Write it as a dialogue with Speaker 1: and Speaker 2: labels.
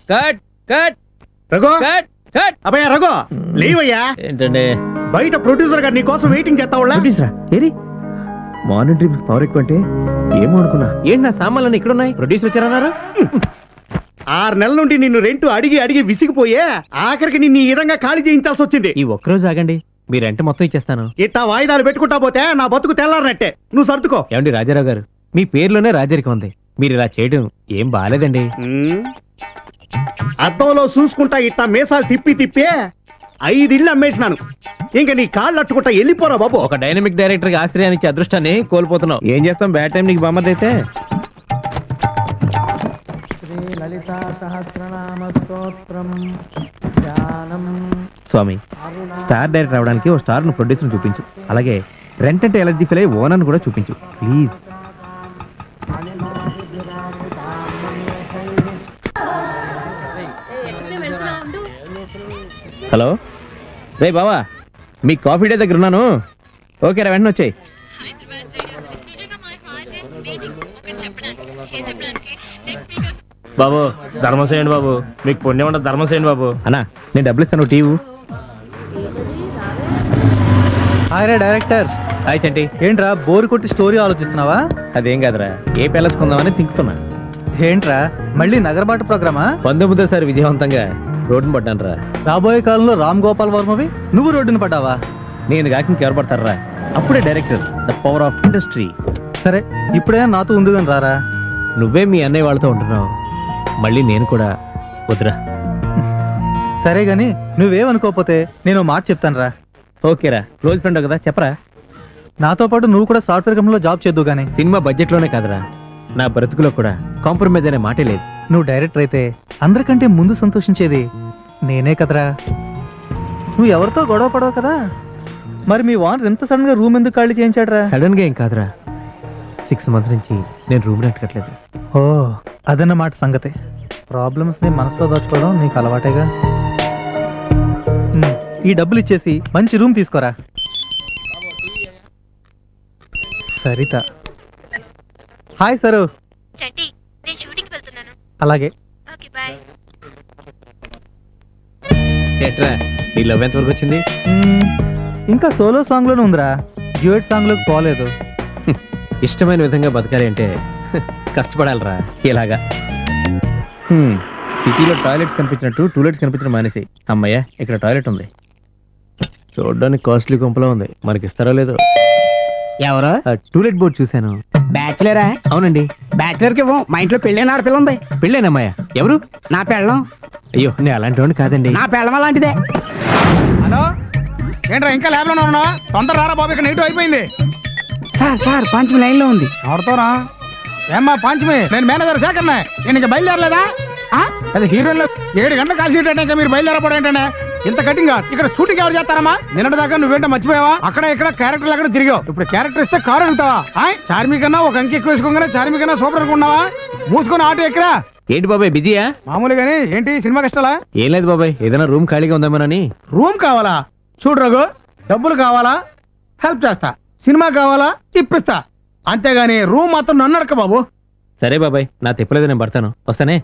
Speaker 1: Cut cut
Speaker 2: Raghu
Speaker 1: cut cut.
Speaker 2: అబ్బాయి రఘు లేవయ్యా.
Speaker 1: ఏంటండి
Speaker 2: బయట ప్రొడ్యూసర్ గారు నీ కోసం వెయిటింగ్ చేస్తావులా.
Speaker 1: ప్రొడ్యూసరా ఏరి మార్నింగ్ డ్రీమ్స్ పవర్ ఎక్కువ అంటే ఏమో అనుకున్నా. ఏంటి నా సామాన్లు ఇక్కడ ఉన్నాయి? ప్రొడ్యూసర్ వచ్చారన్నారు.
Speaker 2: 6 నెలల నుండి నిన్ను రెంట్ అడిగి అడిగి విసిగిపోయే ఆఖరికి నిన్ను ఈ విధంగా ఖాళీ చేయించాల్సి వచ్చింది.
Speaker 1: ఈ ఒక్కరోజు ఆగండి, మీ రెంట్ మొత్తం ఇచ్చేస్తాను.
Speaker 2: ఇట్టా వాయిదాలు పెట్టుకుంటా పోతే నా బతుకు తెల్లారనట్టే. నువ్వు సర్దుకో.
Speaker 1: ఏమండి రాజారావు గారు, మీ పేరులోనే రాజరికం ఉంది. మీరు ఇలా చేయడం ఏం బాలేదండి.
Speaker 2: అద్దంలో చూసుకుంటా ఇట్టా మీసాలు తిప్పి తిప్పి 5 ఇళ్ళు అమ్మేసినాను. ఇంకా నీ కాళ్ళు అట్టుకుంటా వెళ్ళిపోరా బాబు.
Speaker 1: ఒక డైనమిక్ డైరెక్టర్ కి ఆశ్రయాన్ని ఇచ్చే అదృష్టాన్ని కోల్పోతున్నావు. ఏం చేస్తాం, బ్యాడ్ టైం నీకు బొమ్మది అయితే. స్వామి, స్టార్ డైరెక్టర్ అవడానికి ఓ స్టార్ ను ప్రొడ్యూసర్ చూపించు. అలాగే రెంట్ అంటే ఎలర్జీ ఫీల్ అయ్యి ఓనర్ కూడా చూపించు ప్లీజ్. హలో రే బావా, మీ కాఫీ డే దగ్గర ఉన్నాను. ఓకే రా, వెంటనే వచ్చాయి.
Speaker 3: బాబు ధర్మం చేయండి బాబు, మీకు పుణ్యం ఉండదు, ధర్మం చేయండి బాబు.
Speaker 1: అన్నా నేను డబ్బులు ఇస్తాను, TV.
Speaker 4: Hi director.
Speaker 1: Hi Chanti.
Speaker 4: ఏంట్రా బోరు కొట్టి స్టోరీ ఆలోచిస్తున్నావా?
Speaker 1: అదేం కాదురా, ఏ ప్యాలెస్ కొందామని తింకుతున్నా.
Speaker 4: ఏంట్రా మళ్ళీ నగరబాటు ప్రోగ్రామా?
Speaker 1: 19సారి విజయవంతంగా రోడ్డును పడ్డాను రా.
Speaker 4: రాబోయే కాలంలో రామ్ గోపాల్ వర్మవి నువ్వు రోడ్డును పడ్డావా?
Speaker 1: నేను కాక ఇంకెవరు పడతారా? అప్పుడే director, the power of industry.
Speaker 4: సరే ఇప్పుడే నాతో ఉందిగాని రారా.
Speaker 1: నువ్వే మీ అన్నయ్య వాళ్ళతో ఉంటున్నావు, మళ్ళీ నేను కూడా వద్దురా.
Speaker 4: సరే గాని నువ్వేమనుకోకపోతే నేను మాట చెప్తాను రా.
Speaker 1: ఓకేరా, క్లోజ్ ఫ్రెండ్ కదా, చెప్పరా.
Speaker 4: నాతో పాటు నువ్వు కూడా సాఫ్ట్వేర్ కంపెనీలో జాబ్ చేద్దు గానీ.
Speaker 1: సినిమా బడ్జెట్ లోనే కాదురా, నా బ్రతుకులో కూడా కాంప్రమైజ్ అనే మాటే లేదు.
Speaker 4: నువ్వు డైరెక్టర్ అయితే అందరికంటే ముందు సంతోషించేది నేనే కదరా. నువ్వు ఎవరితో గొడవ పడవు కదా. మరి మీ వాన్ ఎంత సడన్ గా రూమ్ ఎందుకు ఖాళీ చేయించాడరా?
Speaker 1: సడన్ గా ఏం కాదురా, 6 months నుంచి నేను రూమ్ రెంట్ కట్టలేదు.
Speaker 4: ఓ అదన్నమాట సంగతి. ప్రాబ్లమ్స్ ని మనసులో దాచుకోవడం నీకు అలవాటేగా. ఈ డబ్బులు ఇచ్చేసి మంచి రూమ్ తీసుకోరా. సరిత. Hi sir.
Speaker 5: చంటి, నేను షూటింగ్ వెళ్తున్నాను.
Speaker 4: అలాగే.
Speaker 5: Okay bye.
Speaker 1: ఎట్రా నీ లవ్ ఎంత వరకు వచ్చింది?
Speaker 4: ఇంకా సోలో సాంగ్ లోనే ఉందిరా, డ్యూయట్ సాంగ్ లోకి పోలేదు.
Speaker 1: ఇష్టమైన విధంగా బతకాలి అంటే కష్టపడాలరా. ఇలాగా సిటీలో టాయిలెట్స్ కనిపించినట్టు టూలెట్స్ కనిపించడం మానేసి. అమ్మయ్య, ఇక్కడ టాయిలెట్ ఉంది. చూడడానికి కాస్ట్లీ గుంపలో ఉంది, మనకి ఇస్తారో లేదో.
Speaker 6: ఎవరు?
Speaker 1: టూలెట్ బోర్డు చూశాను.
Speaker 6: బ్యాచులరా?
Speaker 1: అవునండి.
Speaker 6: బ్యాచులర్ కి ఇవ్వం, మా ఇంట్లో పెళ్ళైన ఆడపిల్ల ఉంది.
Speaker 1: పెళ్ళేనమ్మాయ? ఎవరు?
Speaker 6: నా పెళ్ళం.
Speaker 1: అయ్యో, నేను అలాంటి వాడిని కాదండి.
Speaker 6: నా పెళ్ళం అలాంటిదే.
Speaker 7: హలో, ఏంట్రా ఇంకా ల్యాబ్ లోనే ఉన్నా? తొందర రారా బాబు, ఇక్కడ నెగిటివ్ అయిపోయింది.
Speaker 6: సార్ పంచమి లైన్ లో ఉంది.
Speaker 7: ఎవరితోరా? ఏమ్మా పంచమి, నేను మేనేజర్ శేఖర్నే. నేను ఇంకా బయలుదేరలేదా? అది హీరోయిన్లో 7 గంటలు కాల్ షీట్ అంటే మీరు బయలుదేరపడం ఏంటంటే ఇంత కటింగ్. ఇక్కడ షూటింగ్ ఎవరు చేస్తారమ్మా? నిన్నటి దాకా నువ్వేంటో మర్చిపోయావా? అక్కడ ఇక్కడ క్యారెక్టర్లు అక్కడ తిరిగావు. ఇప్పుడు క్యారెక్టర్ ఇస్తే కారు అడుగుతావా? చార్మి కన్నా ఒక అంకి ఎక్కువ వేసుకోగానే చార్మి కన్నా సూపర్ అనుకున్నావా? మూసుకొని ఆటో ఎక్కరా.
Speaker 1: ఏంటి బాబాయ్ బిజీయా?
Speaker 7: మామూలుగానే. ఏంటి సినిమా కష్టాలా?
Speaker 1: ఏం లేదు బాబాయ్, ఏదైనా రూమ్ ఖాళీగా ఉందామని.
Speaker 7: రూమ్ కావాలా? చూడు రఘు, డబ్బులు కావాలా? హెల్ప్ చేస్తా. సినిమా కావాలా? ఇప్పిస్తా. అంతేగాని రూమ్ మాత్రం నన్ను అడక బాబు.
Speaker 1: సరే బాబాయ్, నా తిప్పలేదు, నేను పడతాను. వస్తానే.